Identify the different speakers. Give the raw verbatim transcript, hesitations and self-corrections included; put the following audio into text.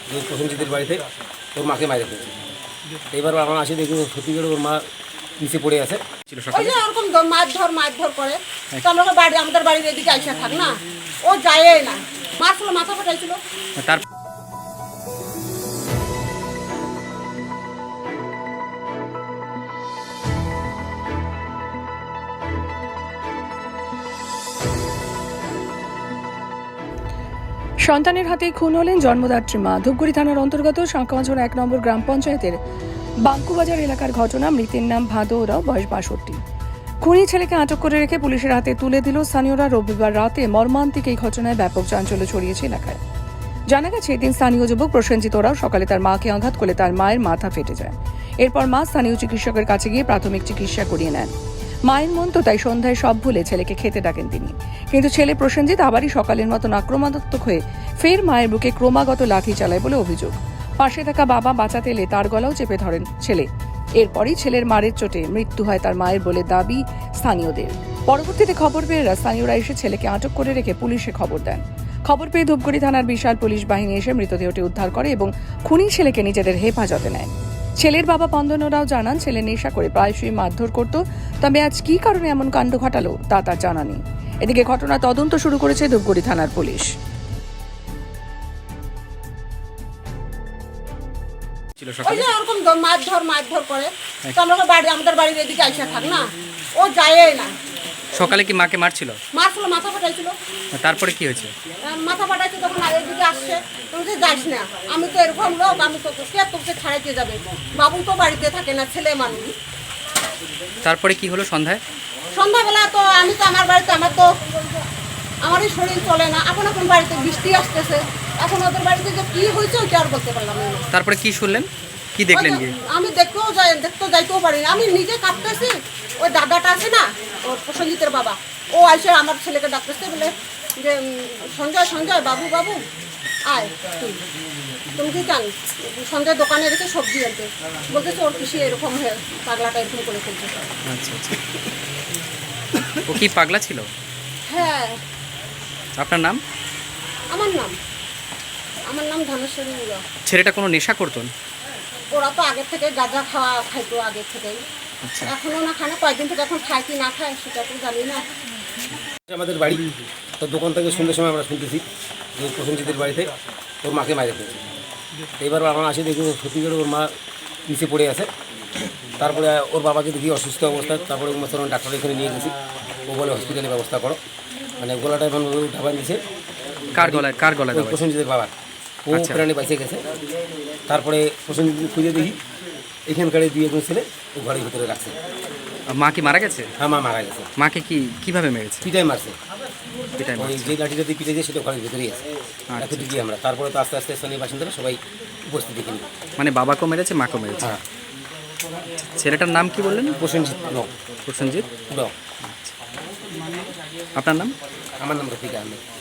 Speaker 1: যে প্রসেনজিতের বাড়িতে ওর মাকে মাইরে ফেলেছে। এবার আমরা আসি দেখি সত্যি করে ওর মা নিচে পড়ে আছে।
Speaker 2: ছিল
Speaker 3: ওই
Speaker 2: সকালে
Speaker 3: যে ওরকম দ- মারধর মারধর করে তো আমরা বাড়ি আমাদের বাড়ির এদিকে আইসা থাক না, ও যায় না, মারছিল, মাথা ফাটাইছিল।
Speaker 2: তার
Speaker 4: সন্তানের হাতেই খুন হলেন জন্মদাত্রী মা। ধূপগুড়ি থানার অন্তর্গত শাঁকামাঝোড়া এক নম্বর গ্রাম পঞ্চায়েতের বাঙ্কুবাজার এলাকার ঘটনা। মৃতের নাম ভাদু ওরাও, বয়স বাষট্টি। খুনি ছেলেকে আটক করে রেখে পুলিশের হাতে তুলে দিল স্থানীয়রা। রবিবার রাতে মর্মান্তিক এই ঘটনায় ব্যাপক চাঞ্চল্য ছড়িয়েছে এলাকায়। জানা গেছে, এদিন স্থানীয় যুবক প্রসেনজিৎ ওরাও সকালে তার মাকে আঘাত করলে তার মায়ের মাথা ফেটে যায়। এরপর মা স্থানীয় চিকিৎসকের কাছে গিয়ে প্রাথমিক চিকিৎসা করিয়ে নেন। মায়ের মন তো তাই সন্ধ্যায় সব ভুলে ছেলেকে খেতে ডাকেন তিনি। কিন্তু ছেলে প্রসেনজিৎ আবারই সকালের মতন আক্রমণাত্মক হয়ে ফের মায়ের বুকে ক্রমাগত লাথি চালায় বলে অভিযোগ। পাশে থাকা বাবা বাঁচাতে এলে তার গলাও চেপে ধরেন ছেলে। এরপরই ছেলের মারের চোটে মৃত্যু হয় তার মায়ের বলে দাবি স্থানীয়দের। পরবর্তীতে খবর পেয়ে স্থানীয়রা এসে ছেলেকে আটক করে রেখে পুলিশে খবর দেন। খবর পেয়ে ধূপগুড়ি থানার বিশাল পুলিশ বাহিনী এসে মৃতদেহটি উদ্ধার করে এবং খুনি ছেলেকে নিজেদের হেফাজতে নেয়। ছেলের বাবা পন্দনরাও জানান, ছেলে নেশা করে প্রায়শই মারধর করত, তবে আজ কী কারণে এমন কাণ্ড ঘটালো তা তার জানা নেই। এদিকে ঘটনা তদন্ত শুরু করেছে ধূপগুড়ি থানার পুলিশ।
Speaker 2: ছিল
Speaker 3: ওই
Speaker 2: সকালে
Speaker 3: যে ওরকম দ- মারধর মারধর করে তো আমরা বাড়ি আমাদের বাড়ির এদিকে আইসা থাক না, ও যায় না,
Speaker 2: সকালে কি মাকে মারছিল?
Speaker 3: মারছিল, মাথা ফাটাইছিল।
Speaker 2: তারপরে কি হয়েছে?
Speaker 3: আহ, মাথা ফাটাইছে তখন আর এদিকে আসছে, তুমি যে যাস না, আমি তো এরকম লোক, আমি তো কে তোকে ছাড়াইতে যাবে, বাবু তো বাড়িতে থাকে না, ছেলে মানুষ।
Speaker 2: তারপরে কি হলো সন্ধ্যায়?
Speaker 3: সন্ধ্যাবেলা তো আমি তো আমার বাড়িতে, আমার তো আমারই শরীর চলে না, এখন এখন বাড়িতে বৃষ্টি আসতেছে, এখন ওদের বাড়িতে যে কি হয়েছে ওইটা আর বলতে পারলাম না।
Speaker 2: তারপরে কি শুনলেন, কি দেখলেন গিয়ে?
Speaker 3: আমি দেখতেও যাই, দেখতেও যাইতেও পারি না, আমি নিজে কাঁপতেছি। ওই দাদাটা আছে না, ও প্রসেনজিতের বাবা, ও আইসে আমার ছেলেকে ডাকতেছে, বলে যে উম, সঞ্জয় সঞ্জয় বাবু বাবু আয়, তুই তুমি কি জান সঞ্জয় দোকানে গেছে সবজি আনতে, বলতেছে ওর কৃষি এরকম হয়ে পাগলাটা এরকম করে ফেলছে।
Speaker 2: আচ্ছা আচ্ছা। ও কি পাগলা ছিল?
Speaker 3: হ্যাঁ,
Speaker 2: আপনার নাম?
Speaker 3: আমার নাম আমার নাম ধনেশ্বরী মুরা।
Speaker 2: ছেলেটা কোনো নেশা করতো?
Speaker 3: ওরা তো আগের থেকে গাঁজা খাওয়া খাইতো আগের থেকেই,
Speaker 2: আচ্ছা।
Speaker 3: এখনো না খায় না, কয়েকদিন থেকে এখন খায় কি না খায় সেটা তো জানি না।
Speaker 1: আমাদের বাড়ি তো দোকান থেকে সন্ধ্যের সময় আমরা শুনতেছি যে প্রসেনজিতের বাড়িতে ওর মাকে মাইরে ফেলেছে। এবার আমরা আসি দেখি সত্যি করে ওর মা নিচে পড়ে আছে। তারপরে ওর বাবাকে দেখি অসুস্থ অবস্থায়, তারপরে ডাক্তার এখানে নিয়ে গেছি। ও বলে হসপিটালে ব্যবস্থা করো, মানে গলাটা এখন ঢাবা দিয়েছে।
Speaker 2: কার গলায় কার গলায়
Speaker 1: ওই
Speaker 2: দেওয়া?
Speaker 1: প্রসেনজিতের বাবার, ও
Speaker 2: আচ্ছা।
Speaker 1: প্রাণে বাইসে গেছে। তারপরে প্রসেনজিৎ খুঁজে দেখি এখানকার দুই একজন ছেলে ও ঘরের ভিতরে রাখছে।
Speaker 2: মা কি মারা গেছে?
Speaker 1: হ্যাঁ, মা মারা গেছে।
Speaker 2: মাকে কি কিভাবে মেরেছে?
Speaker 1: পিটাই মারছে,
Speaker 2: এটাই
Speaker 1: ওই যে লাঠিটা দিয়ে পিটাইছে সেটা ঘরের ভিতরেই আছে।
Speaker 2: আচ্ছা।
Speaker 1: এতটুকুই আমরা, তারপরে তো আস্তে আস্তে স্থানীয় বাসিন্দারা সবাই উপস্থিত এখানে।
Speaker 2: মানে বাবাকেও মেরেছে, মাকেও মেরেছে।
Speaker 1: হ্যাঁ,
Speaker 2: ছেলেটার নাম কি বললেন?
Speaker 1: প্রসেনজিৎ ন
Speaker 2: প্রসেনজিৎ।
Speaker 1: ন
Speaker 2: আপনার নাম?
Speaker 1: আমার নাম রফিক আহমেদ।